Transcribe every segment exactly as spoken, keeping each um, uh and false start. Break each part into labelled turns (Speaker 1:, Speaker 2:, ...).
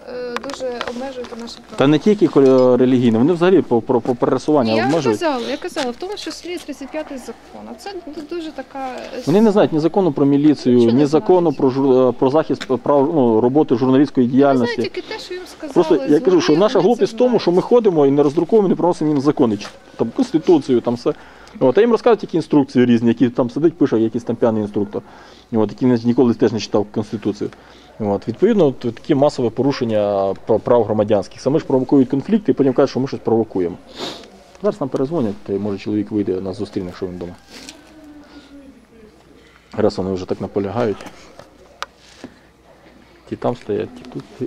Speaker 1: е, дуже обмежуєте наші права.
Speaker 2: Та не тільки релігійні, вони взагалі по, по, по пересуванню
Speaker 1: Я
Speaker 2: обмежують.
Speaker 1: казала, я казала, в тому числі тридцять п'ятий закон. А це дуже така...
Speaker 2: Вони не знають ні закону про міліцію,
Speaker 1: Нічого
Speaker 2: ні
Speaker 1: не
Speaker 2: закону
Speaker 1: знають.
Speaker 2: про, жур, про захист прав ну, роботи журналістської
Speaker 1: Я
Speaker 2: діяльності.
Speaker 1: знаю тільки те, що їм сказали.
Speaker 2: Просто я кажу, що
Speaker 1: зловили,
Speaker 2: наша
Speaker 1: вони
Speaker 2: глупість
Speaker 1: це
Speaker 2: в тому, що ми
Speaker 1: знають.
Speaker 2: ходимо і не роздруковуємо, не приносимо їм закони, чи там конституцію, там все. От, а їм розказують тільки інструкції різні, які там сидить, пише якийсь там п'яний інструктор, от, який ніколи теж не читав конституцію. От, відповідно, от, такі масове порушення прав громадянських. Саме ж провокують конфлікти і потім кажуть, що ми щось провокуємо. Зараз нам перезвонять, то може чоловік вийде, нас зустріне, якщо він вдома. Раз вони вже так наполягають. Ті там стоять, ті тут.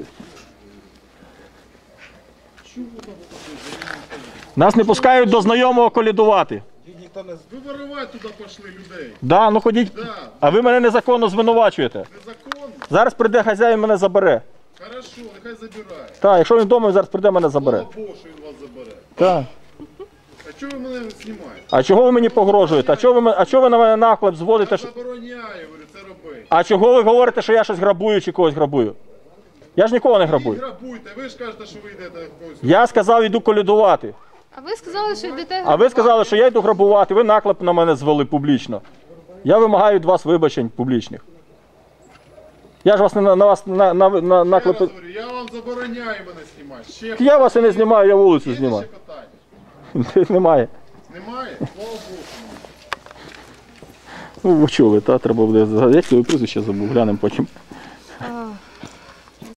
Speaker 2: Нас не пускають до знайомого колядувати.
Speaker 3: Ви воровать туди пішли людей.
Speaker 2: Да, ну ходіть.
Speaker 3: Да.
Speaker 2: А ви мене незаконно звинувачуєте.
Speaker 3: Незаконно?
Speaker 2: Зараз прийде хазяїн, мене забере.
Speaker 3: Хорошо, нехай забирає.
Speaker 2: Так, якщо він вдома, він зараз прийде, мене забере.
Speaker 3: Слава Богу, що він вас забере.
Speaker 2: Так.
Speaker 3: А чого ви мене знімаєте?
Speaker 2: А чого ви мені погрожуєте? А чого ви, ме- а чого ви на мене наклеп зводите?
Speaker 3: Я
Speaker 2: що-
Speaker 3: забороняю, говорю, це робити.
Speaker 2: А чого ви говорите, що я щось грабую чи когось грабую? Я ж нікого не
Speaker 3: Ви
Speaker 2: грабую.
Speaker 3: грабуйте, ви ж кажете, що ви йдете в когось.
Speaker 2: Я сказав, йду колядувати.
Speaker 1: А ви сказали, що йдете...
Speaker 2: А ви сказали, що я йду грабувати, ви наклеп на мене звели публічно. Я вимагаю від вас вибачень публічних. Я ж вас не на, на вас на, на, на
Speaker 3: Я вас
Speaker 2: наклеп...
Speaker 3: говорю, я вам забороняю мене знімати. Ще
Speaker 2: Я вас і не знімаю, я вулицю
Speaker 3: Є
Speaker 2: знімаю.
Speaker 3: ще питання?
Speaker 2: Немає.
Speaker 3: Немає? Слава Богу.
Speaker 2: Ну, ви чули, та треба буде. Як твоє прізвище забув, глянемо потім.